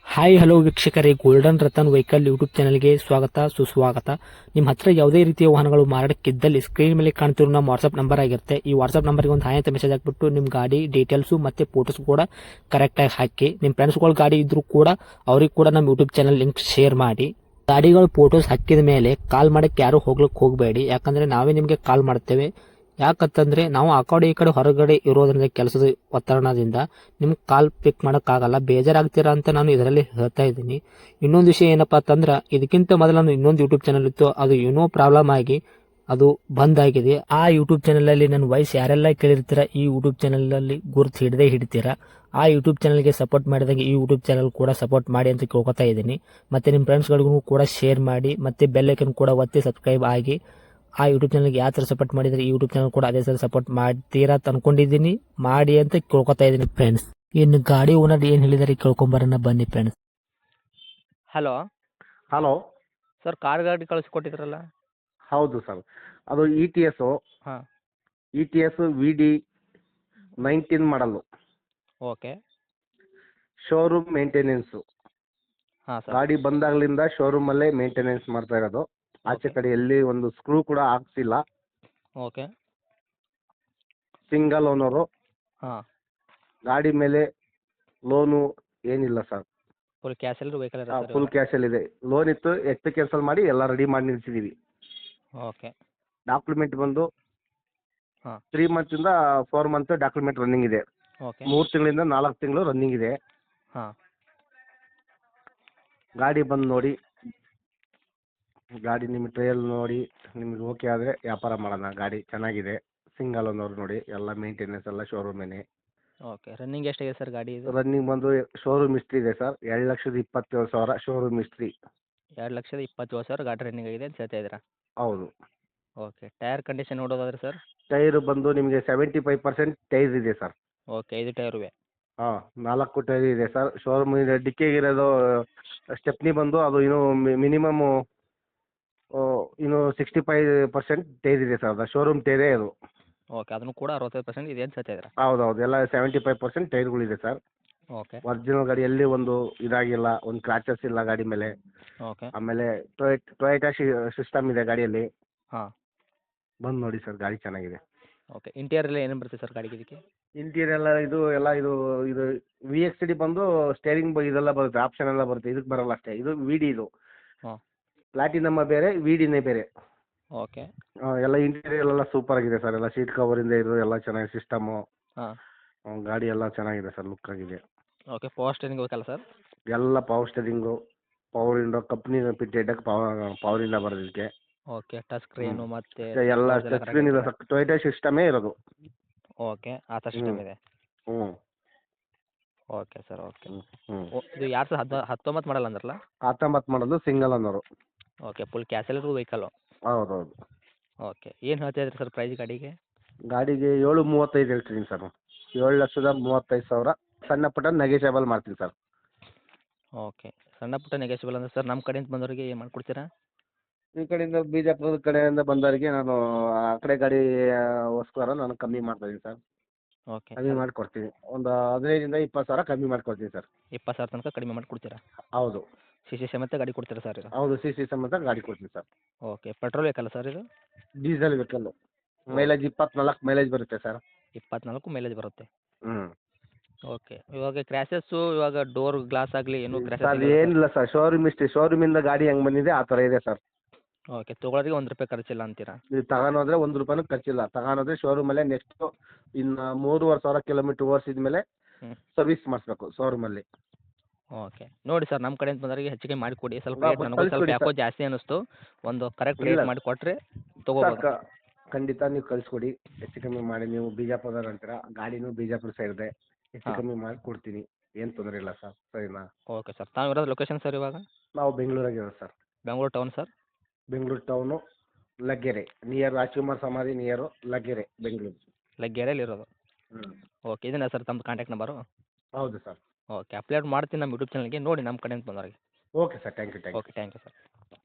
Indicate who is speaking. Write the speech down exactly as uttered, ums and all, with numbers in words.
Speaker 1: Hi hello ವೀಕ್ಷಕರೇ, golden Ratan vehicle YouTube ಚಾನಲ್ಗೆ ಸ್ವಾಗತ ಸುಸ್ವಾಗತ. ನಿಮ್ಮ ಹತ್ರ ಯಾವುದೇ ರೀತಿಯ ವಾಹನಗಳು ಮಾರಾಟಕ್ಕಿದ್ದಲ್ಲಿ ಸ್ಕ್ರೀನ್ ಮೇಲೆ ಕಾಣ್ತಿರೋ ನಮ್ಮ ವಾಟ್ಸ್ಆಪ್ ನಂಬರ್ ಆಗಿರುತ್ತೆ. ಈ ವಾಟ್ಸ್ಆಪ್ ನಂಬರ್ಗೆ ಒಂದು ಹಾಯ್ ಅಂತ ಮೆಸೇಜ್ ಹಾಕ್ಬಿಟ್ಟು ನಿಮ್ಮ ಗಾಡಿ ಡೀಟೇಲ್ಸು ಮತ್ತೆ ಫೋಟೋಸ್ ಕೂಡ ಕರೆಕ್ಟಾಗಿ ಹಾಕಿ. ನಿಮ್ಮ ಫ್ರೆಂಡ್ಸ್ಗಳ ಗಾಡಿ ಇದ್ರೂ ಕೂಡ ಅವ್ರಿಗೆ ಕೂಡ ನಮ್ಮ ಯೂಟ್ಯೂಬ್ ಚಾನಲ್ ಲಿಂಕ್ ಶೇರ್ ಮಾಡಿ. ಗಾಡಿಗಳು ಫೋಟೋಸ್ ಹಾಕಿದ ಮೇಲೆ ಕಾಲ್ ಮಾಡಕ್ಕೆ ಯಾರು ಹೋಗ್ಲಿಕ್ಕೆ ಹೋಗಬೇಡಿ, ಯಾಕಂದ್ರೆ ನಾವೇ ನಿಮಗೆ ಕಾಲ್ ಮಾಡ್ತೇವೆ. ಯಾಕಂತಂದ್ರೆ ನಾವು ಆ ಕಡೆ ಈ ಕಡೆ ಹೊರಗಡೆ ಇರೋದ್ರಿಂದ ಕೆಲಸದ ಒತ್ತಡದಿಂದ ನಿಮ್ಗೆ ಕಾಲ್ ಪಿಕ್ ಮಾಡೋಕ್ಕಾಗಲ್ಲ, ಬೇಜಾರಾಗ್ತೀರಾ ಅಂತ ನಾನು ಇದರಲ್ಲಿ ಹೇಳ್ತಾ ಇದ್ದೀನಿ. ಇನ್ನೊಂದು ವಿಷಯ ಏನಪ್ಪಾ ಅಂತಂದ್ರೆ, ಇದಕ್ಕಿಂತ ಮೊದಲು ನಾನು ಇನ್ನೊಂದು ಯೂಟ್ಯೂಬ್ ಚಾನಲ್ ಇತ್ತು, ಅದು ಏನೋ ಪ್ರಾಬ್ಲಮ್ ಆಗಿ ಅದು ಬಂದ್ ಆಗಿದೆ. ಆ ಯೂಟ್ಯೂಬ್ ಚಾನಲ್ ಅಲ್ಲಿ ನನ್ನ ವಾಯ್ಸ್ ಯಾರೆಲ್ಲ ಕೇಳಿರ್ತೀರಾ, ಈ ಯೂಟ್ಯೂಬ್ ಚಾನಲ್ ಅಲ್ಲಿ ಗುರುತು ಹಿಡದೆ ಹಿಡಿತೀರಾ. ಆ ಯೂಟ್ಯೂಬ್ ಚಾನಲ್ಗೆ ಸಪೋರ್ಟ್ ಮಾಡಿದಾಗ ಈ ಯೂಟ್ಯೂಬ್ ಚಾನಲ್ ಕೂಡ ಸಪೋರ್ಟ್ ಮಾಡಿ ಅಂತ ಕೇಳ್ಕೊತಾ ಇದ್ದೀನಿ. ಮತ್ತೆ ನಿಮ್ಮ ಫ್ರೆಂಡ್ಸ್ಗಳಿಗೂ ಕೂಡ ಶೇರ್ ಮಾಡಿ, ಮತ್ತೆ ಬೆಲ್ ಐಕನ್ ಕೂಡ ಒತ್ತಿ ಸಬ್ಸ್ಕ್ರೈಬ್ ಆಗಿ. ಆ ಯೂಟ್ಯೂಬ್ ಚಾನಲ್ಗೆ ಯಾವ ಥರ ಸಪೋರ್ಟ್ ಮಾಡಿದರೆ ಈ ಯೂಟ್ಯೂಬ್ ಚಾನಲ್ ಕೂಡ ಅದೇ ಥರ ಸಪೋರ್ಟ್ ಮಾಡ್ತೀರಾ ಅಂತ ಅನ್ಕೊಂಡಿದ್ದೀನಿ. ಮಾಡಿ ಅಂತ ಕೇಳ್ಕೊತಾ ಇದ್ದೀನಿ ಫ್ರೆಂಡ್ಸ್. ಇನ್ನು ಗಾಡಿ ಓನರ್ ಏನು ಹೇಳಿದಾರೆ ಕೇಳ್ಕೊಂಬರೋಣ ಬನ್ನಿ friends.
Speaker 2: Hello
Speaker 3: hello
Speaker 2: sir, car ಗಾಡಿ ಕಳಿಸ್ಕೊಟ್ಟಿದ್ರಲ್ಲ.
Speaker 3: ಹೌದು ಸರ್, ಅದು ಇ ಟಿ ಎಸ್ಸು
Speaker 2: ಹಾಂ,
Speaker 3: E T S V D nineteen model,
Speaker 2: okay.
Speaker 3: Showroom maintenance.
Speaker 2: ಹಾಂ ಸರ್,
Speaker 3: ಗಾಡಿ ಬಂದಾಗಲಿಂದ ಶೋರೂಮಲ್ಲೇ ಮೇಂಟೆನೆನ್ಸ್ ಮಾಡ್ತಾ ಇರೋದು. ಆಚೆ
Speaker 2: ಓಕೆ
Speaker 3: ಕಡೆ ಎಲ್ಲಿ ಒಂದು ಸ್ಕ್ರೂ ಕೂಡ ಹಾಕ್ಸಿಲ್ಲ.
Speaker 2: ಓಕೆ.
Speaker 3: Single owner.
Speaker 2: ಹಾಂ,
Speaker 3: ಗಾಡಿ ಮೇಲೆ ಲೋನು ಏನಿಲ್ಲ ಸರ್,
Speaker 2: ಫುಲ್ ಕ್ಯಾಶ್ ಎಲ್ಲರೂ ವೆಹಿಕಲ್ ಇರೋ ಸರ್
Speaker 3: ಫುಲ್
Speaker 2: ಇವಾಗ.
Speaker 3: ಕ್ಯಾಶಲ್ಲಿದೆ. ಲೋನ್ ಇತ್ತು, ಎಚ್ ಪಿ ಕ್ಯಾನ್ಸಲ್ ಮಾಡಿ ಎಲ್ಲ ರೆಡಿ ಮಾಡಿ ನಿಲ್ಸಿದ್ದೀವಿ.
Speaker 2: ಓಕೆ.
Speaker 3: ಡಾಕ್ಯುಮೆಂಟ್ ಬಂದು
Speaker 2: ಹಾಂ,
Speaker 3: ತ್ರೀ ಮಂತಿಂದ ಫೋರ್ ಮಂತ್ ಡಾಕ್ಯುಮೆಂಟ್ ರನ್ನಿಂಗ್ ಇದೆ.
Speaker 2: ಓಕೆ.
Speaker 3: ಮೂರು ತಿಂಗಳಿಂದ ನಾಲ್ಕು ತಿಂಗಳು ರನ್ನಿಂಗ್ ಇದೆ.
Speaker 2: ಹಾಂ,
Speaker 3: ಗಾಡಿ ಬಂದು ನೋಡಿ, ಗಾಡಿ ನಿಮಗೆ ಟ್ರಯಲ್ ನೋಡಿ ನಿಮಗೆ ಓಕೆ ಆದರೆ ವ್ಯಾಪಾರ ಮಾಡೋಣ. ಗಾಡಿ ಚೆನ್ನಾಗಿದೆ, ಸಿಂಗಲ್ ಓನರ್ ನೋಡಿ, ಎಲ್ಲ ಮೇಂಟೆನೆನ್ಸ್ ಎಲ್ಲ ಶೋರೂಮೇನೆ.
Speaker 2: ಓಕೆ. ರನ್ನಿಂಗ್ ಎಷ್ಟಾಗಿದೆ ಸರ್ ಗಾಡಿ ಇದು?
Speaker 3: ರನ್ನಿಂಗ್ ಬಂದು ಶೋರೂಮ್ ಹಿಸ್ಟ್ರಿ ಇದೆ ಸರ್, ಎರಡು ಲಕ್ಷದ ಇಪ್ಪತ್ತೇಳು ಸಾವಿರ ಶೋರೂಮ್ ಹಿಸ್ಟ್ರಿ.
Speaker 2: ಎರಡು ಲಕ್ಷದ ಇಪ್ಪತ್ತೇಳು ಸಾವಿರ ಗಾಡಿ ರನ್ನಿಂಗ್ ಆಗಿದೆ ಅಂತ ಹೇಳ್ತಾ ಇದ್ದೀರಾ?
Speaker 3: ಹೌದು.
Speaker 2: ಓಕೆ. ಟೈರ್ ಕಂಡೀಷನ್ ನೋಡೋದಾದ್ರೆ ಸರ್?
Speaker 3: ಟೈರು ಬಂದು ನಿಮಗೆ ಸೆವೆಂಟಿ ಫೈವ್ ಪರ್ಸೆಂಟ್ ಟೈರ್ ಇದೆ ಸರ್.
Speaker 2: ಓಕೆ, ಐದು ಟೈರುವೆ.
Speaker 3: ಹಾಂ, ನಾಲ್ಕು ಟೈರ್ ಇದೆ ಸರ್. ಶೋರೂಮ್ ಡಿಕ್ಕಿಗಿರೋದು ಸ್ಟೆಪ್ನಿ ಬಂದು ಅದು ಇನ್ನೂ ಮಿನಿಮಮ್ಮು ಇನ್ನು ಸಿಕ್ಸ್ಟಿ ಫೈವ್ ಪರ್ಸೆಂಟ್ ಟೈರ್ ಇದೆ ಸರ್, ಅದು ಶೋರೂಮ್ ಟೈರೇ ಅದು.
Speaker 2: ಓಕೆ, ಅದನ್ನು ಕೂಡ ಅರವತ್ತೈದು ಪರ್ಸೆಂಟ್ ಇದೆ ಅಂತ ಹೇಳ್ತಾ ಇದ್ದೀರಾ?
Speaker 3: ಹೌದು ಹೌದು, ಎಲ್ಲ ಸೆವೆಂಟಿ ಫೈವ್ ಪರ್ಸೆಂಟ್ ಟೈರ್ಗಳಿದೆ ಸರ್.
Speaker 2: ಓಕೆ
Speaker 3: ಒರಿಜಿನಲ್ ಗಾಡಿ ಎಲ್ಲಿ ಒಂದು ಇದಾಗಿಲ್ಲ, ಒಂದು ಕ್ರಾಚಸ್ ಇಲ್ಲ ಗಾಡಿ ಮೇಲೆ.
Speaker 2: ಓಕೆ.
Speaker 3: ಆಮೇಲೆ ಟೊಯ್ ಟೊಯೋಟಾ ಸಿಸ್ಟಮ್ ಇದೆ ಗಾಡಿಯಲ್ಲಿ.
Speaker 2: ಹಾಂ,
Speaker 3: ಬಂದು ನೋಡಿ ಸರ್, ಗಾಡಿ ಚೆನ್ನಾಗಿದೆ.
Speaker 2: ಓಕೆ. ಇಂಟೀರಿಯರ್ ಎಲ್ಲ ಏನೇನು ಬರುತ್ತೆ ಸರ್ ಗಾಡಿಗೆ ಇದಕ್ಕೆ?
Speaker 3: ಇಂಟೀರಿಯರ್ ಎಲ್ಲ ಇದು ಎಲ್ಲ ಇದು ಇದು ವಿ ಎಕ್ಸ್ ಡಿ ಬಂದು ಸ್ಟೇರಿಂಗ್ ಇದೆಲ್ಲ ಬರುತ್ತೆ, ಆಪ್ಷನ್ ಎಲ್ಲ ಬರುತ್ತೆ. ಇದಕ್ಕೆ ಬರಲ್ಲ ಅಷ್ಟೇ, ಇದು ವಿ ಡಿ. ಇದು
Speaker 2: ಹಾಂ,
Speaker 3: ಪ್ಲಾಟಿನಮ್ಮ ಬೇರೆ, ವಿ ಡಿನೇ ಬೇರೆ.
Speaker 2: ಓಕೆ.
Speaker 3: ಆ, ಎಲ್ಲ ಇಂಟೀರಿಯರ್ ಎಲ್ಲ ಸೂಪರ್ ಆಗಿದೆ ಸರ್, ಎಲ್ಲ ಸೀಟ್ ಕವರಿಂದ ಇದು ಎಲ್ಲ ಚೆನ್ನಾಗಿದೆ ಸಿಸ್ಟಮು.
Speaker 2: ಹಾಂ,
Speaker 3: ಗಾಡಿ ಎಲ್ಲ ಚೆನ್ನಾಗಿದೆ ಸರ್, ಲುಕ್ ಆಗಿದೆ.
Speaker 2: ಓಕೆ. ಪವರ್ ಸ್ಟೇರಿಂಗ್ ಬೇಕಲ್ಲ ಸರ್?
Speaker 3: ಎಲ್ಲ power steering, power window, company fitted power power ಇಂದ ಬರೋದಕ್ಕೆ.
Speaker 2: ಓಕೆ. ಟಚ್ ಸ್ಕ್ರೀನು ಮತ್ತೆ
Speaker 3: ಎಲ್ಲ
Speaker 2: ಎಲ್ಲ
Speaker 3: ಟಚ್ ಸ್ಕ್ರೀನ್ ಇದೆ ಸರ್, ಟೊಯೋಟಾ ಸಿಸ್ಟಮೇ ಇರೋದು.
Speaker 2: ಓಕೆ, ಆ ಥರ ಸಿಸ್ಟಮ್ ಇದೆ.
Speaker 3: ಹ್ಞೂ
Speaker 2: ಓಕೆ ಸರ್, ಓಕೆ.
Speaker 3: ಹ್ಞೂ ಹ್ಞೂ
Speaker 2: ಓ, ಇದು ಎರಡು ಸಾವಿರದ ಹದ್ ಹತ್ತೊಂಬತ್ತು ಮಾಡಲ್ಲ ಅಂದ್ರಲ್ಲ?
Speaker 3: ಹತ್ತೊಂಬತ್ತು ಮಾಡೋದು, ಸಿಂಗಲ್ ಅನ್ನೋರು.
Speaker 2: ಓಕೆ, ಫುಲ್ ಕ್ಯಾಶೆಲ್ಲರೂ ವೆಹಿಕಲ್ಲು.
Speaker 3: ಹೌದು ಹೌದು.
Speaker 2: ಓಕೆ. ಏನು ಹೇಳ್ತಾ ಇದ್ರಿ ಸರ್ ಪ್ರೈಸ್ ಗಾಡಿಗೆ?
Speaker 3: ಗಾಡಿಗೆ ಏಳು ಮೂವತ್ತೈದು ಹೇಳ್ತೀನಿ ಸರ್, ಏಳು ಲಕ್ಷದ ಮೂವತ್ತೈದು ಸಾವಿರ. ಸಣ್ಣ ಪುಟ್ಟ ನೆಗೆಷಿಯಬಲ್ ಮಾಡ್ತೀನಿ ಸರ್.
Speaker 2: ಓಕೆ. ಸಣ್ಣ ಪುಟ್ಟ ನೆಗೆಷಿಬಲ್ ಅಂದರೆ ಸರ್ ನಮ್ಮ ಕಡೆಯಿಂದ ಬಂದವರಿಗೆ ಏನು ಮಾಡ್ಕೊಡ್ತೀರಾ?
Speaker 3: ಈ ಕಡೆಯಿಂದ ಬಿಜಾಪುರದ ಕಡೆಯಿಂದ ಬಂದವರಿಗೆ ನಾನು ಆ ಕಡೆ ಗಾಡಿಗೋಸ್ಕರ ನಾನು ಕಮ್ಮಿ ಮಾಡ್ತಾಯಿದ್ದೀನಿ ಸರ್,
Speaker 2: ಓಕೆ.
Speaker 3: ಕಮ್ಮಿ ಮಾಡಿಕೊಡ್ತೀನಿ. ಒಂದು ಹದಿನೈದರಿಂದ ಇಪ್ಪತ್ತು ಸಾವಿರ ಕಮ್ಮಿ ಮಾಡಿಕೊಡ್ತೀನಿ ಸರ್.
Speaker 2: ಇಪ್ಪತ್ತು ಸಾವಿರ ತನಕ ಕಡಿಮೆ ಮಾಡಿ ಕೊಡ್ತೀರಾ?
Speaker 3: ಹೌದು
Speaker 2: ಸಿ ಸಿ ಸಮೇತ ಗಾಡಿ ಕೊಡ್ತೀರಾ ಸರ್ ಇದು?
Speaker 3: ಹೌದು, ಸಿ ಸಿ ಸಮೇತ ಗಾಡಿ ಕೊಡ್ತೀನಿ ಸರ್.
Speaker 2: ಓಕೆ. ಪೆಟ್ರೋಲ್ ಬೇಕಲ್ಲ ಸರ್ ಇದು?
Speaker 3: ಡೀಸೆಲ್ ವೆಹಿಕಲ್ಲು, ಮೈಲೇಜ್ ಇಪ್ಪತ್ನಾಲ್ಕು ಮೈಲೇಜ್ ಬರುತ್ತೆ ಸರ್.
Speaker 2: ಇಪ್ಪತ್ನಾಲ್ಕು ಮೈಲೇಜ್ ಬರುತ್ತೆ.
Speaker 3: ಹ್ಞೂ
Speaker 2: ಓಕೆ. ಇವಾಗ ಕ್ರ್ಯಾಶಸ್ಸು, ಇವಾಗ ಡೋರ್ ಗ್ಲಾಸ್ ಆಗಲಿ ಏನು
Speaker 3: ಸರ್
Speaker 2: ಕ್ರ್ಯಾಶಸ್?
Speaker 3: ಏನಿಲ್ಲ ಸರ್, ಶೋರೂಮ್ ಇಷ್ಟೇ, ಶೋರೂಮಿಂದ ಗಾಡಿ ಹೆಂಗೆ ಬಂದಿದೆ ಆ ಥರ ಇದೆ ಸರ್.
Speaker 2: ಓಕೆ. ತೊಗೊಳೋರಿಗೆ ಒಂದು ರೂಪಾಯಿ ಖರ್ಚಿಲ್ಲ ಅಂತೀರಾ?
Speaker 3: ನೀವು ತಗೊಂಡೋದ್ರೆ ಒಂದು ರೂಪಾಯಿನೂ ಖರ್ಚಿಲ್ಲ. ತಗೊಂಡೋದ್ರೆ ಶೋರೂಮಲ್ಲೇ ನೆಕ್ಸ್ಟು ಇನ್ನು ಮೂರುವರೆ ಸಾವಿರ ಕಿಲೋಮೀಟ್ರ್ ಓಡಿಸಿದ ಮೇಲೆ
Speaker 2: ಹ್ಞೂ.
Speaker 3: ಸರ್ವಿಸ್ ಮಾಡಿಸ್ಬೇಕು ಶೋರೂಮಲ್ಲಿ.
Speaker 2: ಓಕೆ. ನೋಡಿ ಸರ್, ನಮ್ಮ ಕಡೆಯಿಂದ ಬಂದವರಿಗೆ ಹೆಚ್ಚಿಗೆ ಮಾಡಿ ಕೊಡಿ. ಸ್ವಲ್ಪ
Speaker 3: ಬಾ-
Speaker 2: ರೇಟ್ ನನಗೂ ಸ್ವಲ್ಪ
Speaker 3: ಕಳ್ಸ್ಕೊಡಿ
Speaker 2: ಯಾಕೋ
Speaker 3: ಸರ್.
Speaker 2: ಜಾಸ್ತಿ ಅನ್ನಿಸ್ತು. ಒಂದು ಕರೆಕ್ಟ್
Speaker 3: ಇಲ್ಲ
Speaker 2: ರೇಟ್ ಮಾಡಿ ಕೊಟ್ಟರೆ
Speaker 3: ಸರ್,
Speaker 2: ತೊಗೋಬೋದು.
Speaker 3: ಕ- ಖಂಡಿತ ನೀವು ಕಳಿಸ್ಕೊಡಿ, ಹೆಚ್ಚು ಕಮ್ಮಿ ಮಾಡಿ. ನೀವು ಬಿಜಾಪುರ ಅಂತೀರ, ಗಾಡಿನೂ ಬಿಜಾಪುರ ಸೈಡ್ದೆ, ಹೆಚ್ಚು
Speaker 2: ಹಾಂ.
Speaker 3: ಕಮ್ಮಿ ಮಾಡಿ ಕೊಡ್ತೀನಿ, ಏನು ತೊಂದರೆ ಇಲ್ಲ ಸರ್. ಸರಿನಾ?
Speaker 2: Okay sir. ತಾವು ಇರೋದು ಲೊಕೇಶನ್ ಸರ್ ಇವಾಗ?
Speaker 3: ನಾವು ಬೆಂಗಳೂರಾಗಿರೋದು sir,
Speaker 2: Bengaluru town sir?
Speaker 3: Bengaluru town, Laggere near Rajkumar ಸಮಾಧಿ ನಿಯರು, ಲಗ್ಗೆರೆ, ಬೆಂಗಳೂರು.
Speaker 2: ಲಗ್ಗೆರೆಯಲ್ಲಿ ಇರೋದು?
Speaker 3: ಹ್ಞೂ
Speaker 2: ಓಕೆ. ಇದನ್ನ ಸರ್ ತಮ್ಮ ಕಾಂಟ್ಯಾಕ್ಟ್ ನಂಬರು?
Speaker 3: ಹೌದು ಸರ್.
Speaker 2: ಓಕೆ. ಅಪ್ಲೋಡ್ ಮಾಡ್ತೀನಿ ನಮ್ಮ ಯೂಟ್ಯೂಬ್ ಚಾನಲ್ಗೆ, ನೋಡಿ ನಮ್ಮ ಕಡೆಯಿಂದ ಬಂದವರಿಗೆ.
Speaker 3: Okay sir, thank you thank you.
Speaker 2: Okay. Thank you sir.